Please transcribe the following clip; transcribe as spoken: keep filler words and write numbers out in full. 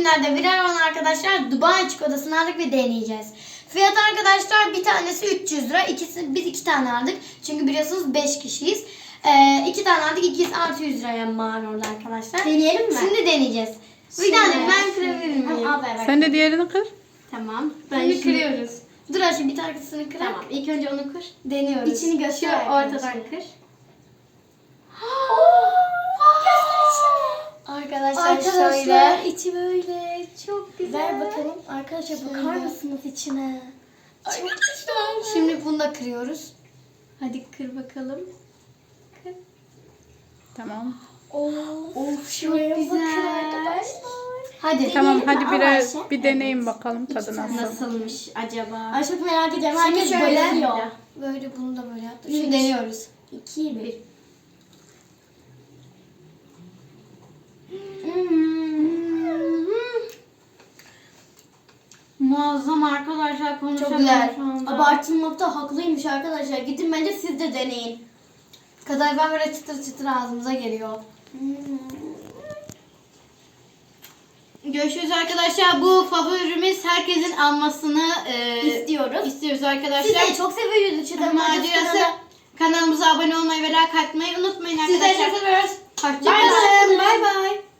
günlerde birer olan arkadaşlar Dubai çikolatasını aldık ve deneyeceğiz. Fiyat arkadaşlar bir tanesi üç yüz lira. İkisi, biz iki tane aldık. Çünkü biliyorsunuz beş kişiyiz. Ee, iki tane aldık. İkisi artı yüz liraya mal orada arkadaşlar. Deneyelim mi? Şimdi deneyeceğiz. Bir tane ben kırabilir miyim? Al ver ver. Sen de diğerini kır. Tamam. Ben Şimdi şimdi- kırıyoruz. Dur Ayşe bir tanesini kırak. Tamam. İlk önce onu kır. Deniyoruz. İçini göster Şu arkadaşlar. ortadan kır. Arkadaşlar, Arkadaşlar şöyle. içi böyle çok güzel. Ver bakalım. Arkadaşlar Şöyle. bakar mısınız içine? Arkadaşlar. Şimdi bunu da kırıyoruz. Hadi kır bakalım. Kır. Tamam. Of, Of şuraya çok bakın güzel. arkadaşlar. Hadi. Tamam Deneyelim mi? hadi Al birer Ayşe. bir deneyin bakalım tadı nasıl. Nasılmış acaba? Ay çok merak ediyorum. Şimdi Herkes şöyle. bayılıyor. Böyle bunu da böyle yaptık. Üç. Şimdi deniyoruz. İki, bir. Muazzam arkadaşlar, Çok konuşamıyorum güzel. şu anda. Abartılmakta haklıymış arkadaşlar. Gidin bence siz de deneyin. Kadayıf böyle çıtır çıtır ağzımıza geliyor. Görüşürüz arkadaşlar. Bu favorimiz, herkesin almasını e, İstiyoruz. istiyoruz arkadaşlar. Siz de çok seviyoruz. Çıtır Macerası. Kanalımıza abone olmayı ve like atmayı unutmayın Sizleri arkadaşlar. çok seviyoruz. Hoşçakalın. Bye bye.